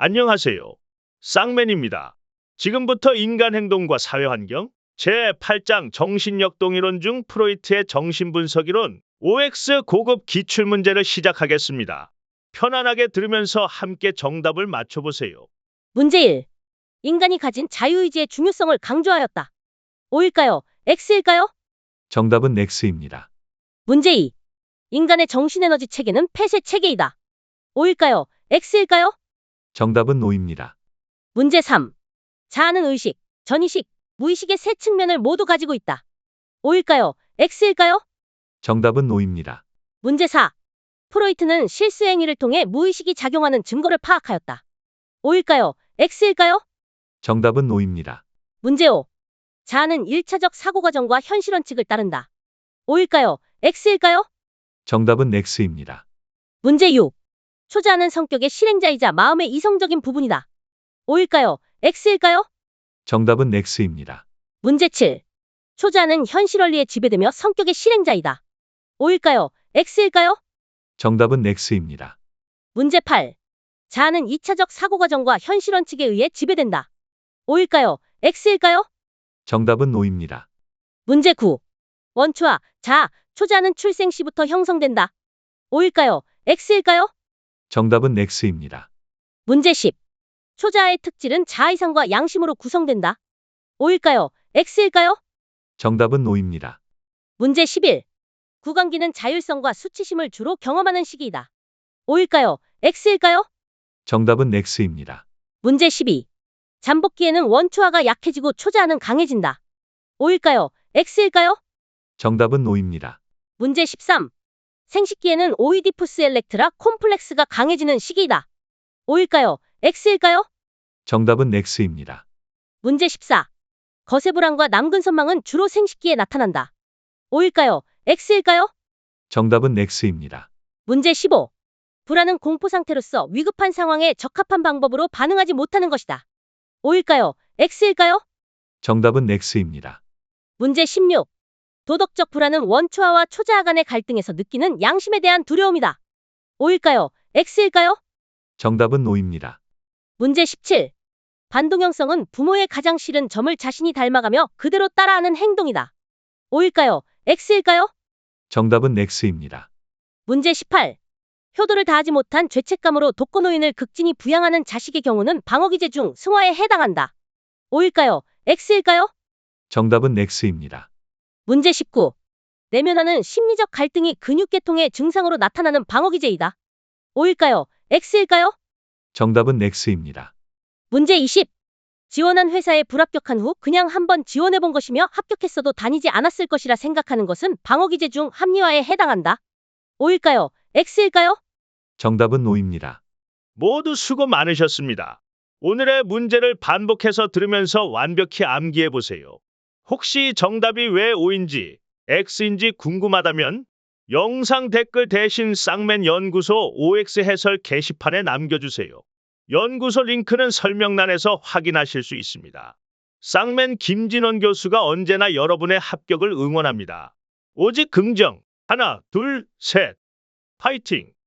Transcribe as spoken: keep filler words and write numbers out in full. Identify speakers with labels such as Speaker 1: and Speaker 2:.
Speaker 1: 안녕하세요. 쌍맨입니다. 지금부터 인간 행동과 사회환경 제팔 장 정신역동이론 중 프로이트의 정신분석이론 오엑스 고급 기출문제를 시작하겠습니다. 편안하게 들으면서 함께 정답을 맞춰보세요.
Speaker 2: 문제 일. 인간이 가진 자유의지의 중요성을 강조하였다. O일까요? X일까요?
Speaker 3: 정답은 X입니다.
Speaker 2: 문제 이. 인간의 정신에너지 체계는 폐쇄 체계이다. O일까요? X일까요?
Speaker 3: 정답은 O입니다.
Speaker 2: 문제 삼. 자아는 의식, 전의식, 무의식의 세 측면을 모두 가지고 있다. O일까요? X일까요?
Speaker 3: 정답은 O입니다.
Speaker 2: 문제 사. 프로이트는 실수행위를 통해 무의식이 작용하는 증거를 파악하였다. O일까요? X일까요?
Speaker 3: 정답은 O입니다.
Speaker 2: 문제 오. 자아는 일차적 사고과정과 현실원칙을 따른다. O일까요? X일까요?
Speaker 3: 정답은 X입니다.
Speaker 2: 문제 육. 초자아는 성격의 실행자이자 마음의 이성적인 부분이다. O일까요? X일까요?
Speaker 3: 정답은 X입니다.
Speaker 2: 문제 칠. 초자아는 현실원리에 지배되며 성격의 실행자이다. O일까요? X일까요?
Speaker 3: 정답은 X입니다.
Speaker 2: 문제 팔. 자아는 이차적 사고과정과 현실원칙에 의해 지배된다. O일까요? X일까요?
Speaker 3: 정답은 O입니다.
Speaker 2: 문제 구. 원초와 자아, 초자아는 출생 시부터 형성된다. O일까요? X일까요?
Speaker 3: 정답은 X입니다.
Speaker 2: 문제 십. 초자아의 특질은 자아이상과 양심으로 구성된다. O일까요? X일까요?
Speaker 3: 정답은 O입니다.
Speaker 2: 문제 십일. 구강기는 자율성과 수치심을 주로 경험하는 시기이다. O일까요? X일까요?
Speaker 3: 정답은 X입니다.
Speaker 2: 문제 십이. 잠복기에는 원초아가 약해지고 초자아는 강해진다. O일까요? X일까요?
Speaker 3: 정답은 O입니다.
Speaker 2: 문제 십삼. 생식기에는 오이디푸스 엘렉트라 콤플렉스가 강해지는 시기이다. O일까요? X일까요?
Speaker 3: 정답은 X입니다.
Speaker 2: 문제 십사. 거세불안과 남근선망은 주로 생식기에 나타난다. O일까요? X일까요?
Speaker 3: 정답은 X입니다.
Speaker 2: 문제 십오. 불안은 공포 상태로서 위급한 상황에 적합한 방법으로 반응하지 못하는 것이다. O일까요? X일까요?
Speaker 3: 정답은 X입니다.
Speaker 2: 문제 십육. 도덕적 불안은 원초아와 초자아 간의 갈등에서 느끼는 양심에 대한 두려움이다. O일까요? X일까요?
Speaker 3: 정답은 O입니다.
Speaker 2: 문제 십칠. 반동형성은 부모의 가장 싫은 점을 자신이 닮아가며 그대로 따라하는 행동이다. O일까요? X일까요?
Speaker 3: 정답은 X입니다.
Speaker 2: 문제 십팔. 효도를 다하지 못한 죄책감으로 독거노인을 극진히 부양하는 자식의 경우는 방어기제 중 승화에 해당한다. O일까요? X일까요?
Speaker 3: 정답은 X입니다.
Speaker 2: 문제 십구. 내면하는 심리적 갈등이 근육계통의 증상으로 나타나는 방어기제이다. O일까요? X일까요?
Speaker 3: 정답은 X입니다.
Speaker 2: 문제 이십. 지원한 회사에 불합격한 후 그냥 한번 지원해본 것이며 합격했어도 다니지 않았을 것이라 생각하는 것은 방어기제 중 합리화에 해당한다. O일까요? X일까요?
Speaker 3: 정답은 O입니다.
Speaker 1: 모두 수고 많으셨습니다. 오늘의 문제를 반복해서 들으면서 완벽히 암기해보세요. 혹시 정답이 왜 O인지 X인지 궁금하다면 영상 댓글 대신 쌍맨 연구소 오엑스 해설 게시판에 남겨주세요. 연구소 링크는 설명란에서 확인하실 수 있습니다. 쌍맨 김진원 교수가 언제나 여러분의 합격을 응원합니다. 오직 긍정, 하나, 둘, 셋, 파이팅!